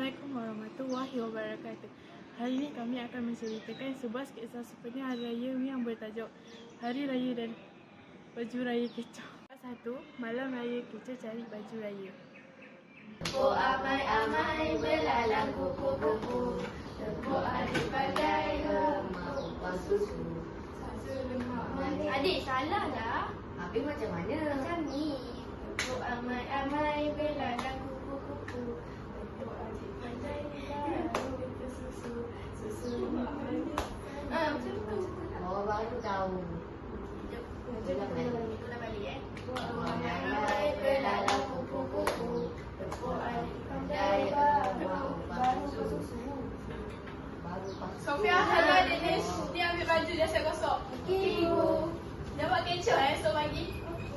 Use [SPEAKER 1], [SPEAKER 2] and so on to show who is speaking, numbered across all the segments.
[SPEAKER 1] Assalamualaikum warahmatullahi wabarakatuh. Hari ini kami akan menceritakan sebuah kisah sepenuh Hari Raya yang bertajuk Hari Raya dan Baju Raya Kecoh. Part 1. Malam Raya Kecoh cari baju raya.
[SPEAKER 2] Tepuk amai-amai belalang kupu-kupu, tepuk adik pandai lemah upah susu. Adik salah lah.
[SPEAKER 3] Habis macam mana?
[SPEAKER 2] Macam ni. Tepuk amai-amai belalang kupu-kupu, tepuk adik pandai lemah susu. Susu macam tu.
[SPEAKER 3] Oh, baru tahu.
[SPEAKER 2] Ulang balik Tepuk amai-amai belalang kupu-kupu, tepuk adik pandai lemah upah susu.
[SPEAKER 4] Sofia, hello Denish. Dia ambil baju dia saya gosok.
[SPEAKER 2] Okey, Ibu.
[SPEAKER 4] Dia buat kecoh esok pagi.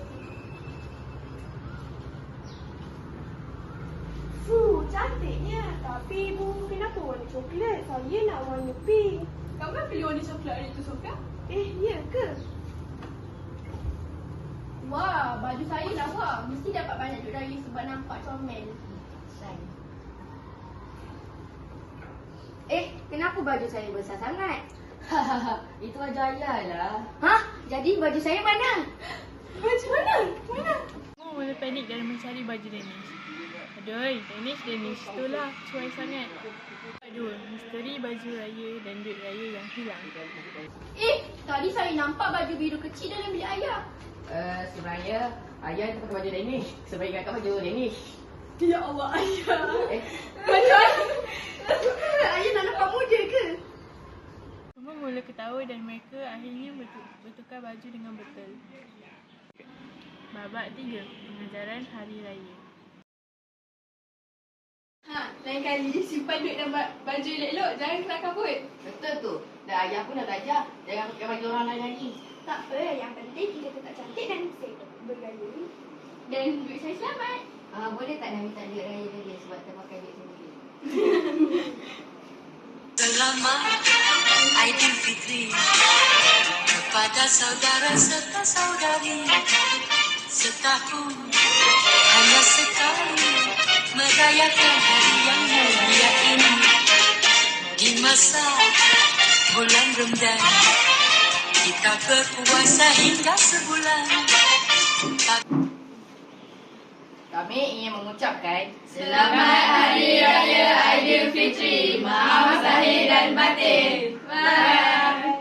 [SPEAKER 5] Cantiknya. Tapi ibu kenapa warna coklat? Saya nak warna pink.
[SPEAKER 4] Kamu kan pilih warna coklat hari tu, Sofia?
[SPEAKER 5] Ya ke?
[SPEAKER 4] Wah, baju saya lawa. Mesti dapat banyak duit raya sebab nampak comel.
[SPEAKER 3] Kenapa baju saya besar sangat? Itu baju ayah lah.
[SPEAKER 2] Hah? Jadi baju saya mana?
[SPEAKER 4] Baju mana? Mana?
[SPEAKER 1] Semua mula panik dan mencari baju Danish. Aduh, Danish, itulah cuai sangat. Aduh, misteri baju raya dan duit raya yang hilang.
[SPEAKER 4] Tadi saya nampak baju biru kecil dalam bilik ayah.
[SPEAKER 3] Sebenarnya ayah tu pakai baju Danish. Sebab ingat baju Danish.
[SPEAKER 4] Ya Allah, ayah.
[SPEAKER 3] Baju ayah nak nampak muda ke?
[SPEAKER 1] Semua mula ketawa dan mereka akhirnya bertukar baju dengan betul. Babak 3. Pengajaran Hari Raya.
[SPEAKER 4] Lain kali simpan duit dan baju elok-elok. Jangan kena kabut.
[SPEAKER 3] Betul tu. Dan ayah pun dah belajar. Jangan pakai baju orang lain lagi.
[SPEAKER 5] Tak apa, yang penting kita tetap cantik dan bergaya.
[SPEAKER 4] Dan duit saya selamat.
[SPEAKER 3] Boleh tak nak minta duit raya dia sebab kita pakai duit sendiri?
[SPEAKER 6] Selamat Aidilfitri kepada saudara serta saudari. Setahun hanya sekali merayakan hari yang mulia ini. Di masa bulan Ramadan kita berpuasa hingga sebulan.
[SPEAKER 3] Kami ingin mengucapkan
[SPEAKER 2] Selamat Hari Raya Aidilfitri. Maaf zahir dan batin. Bye.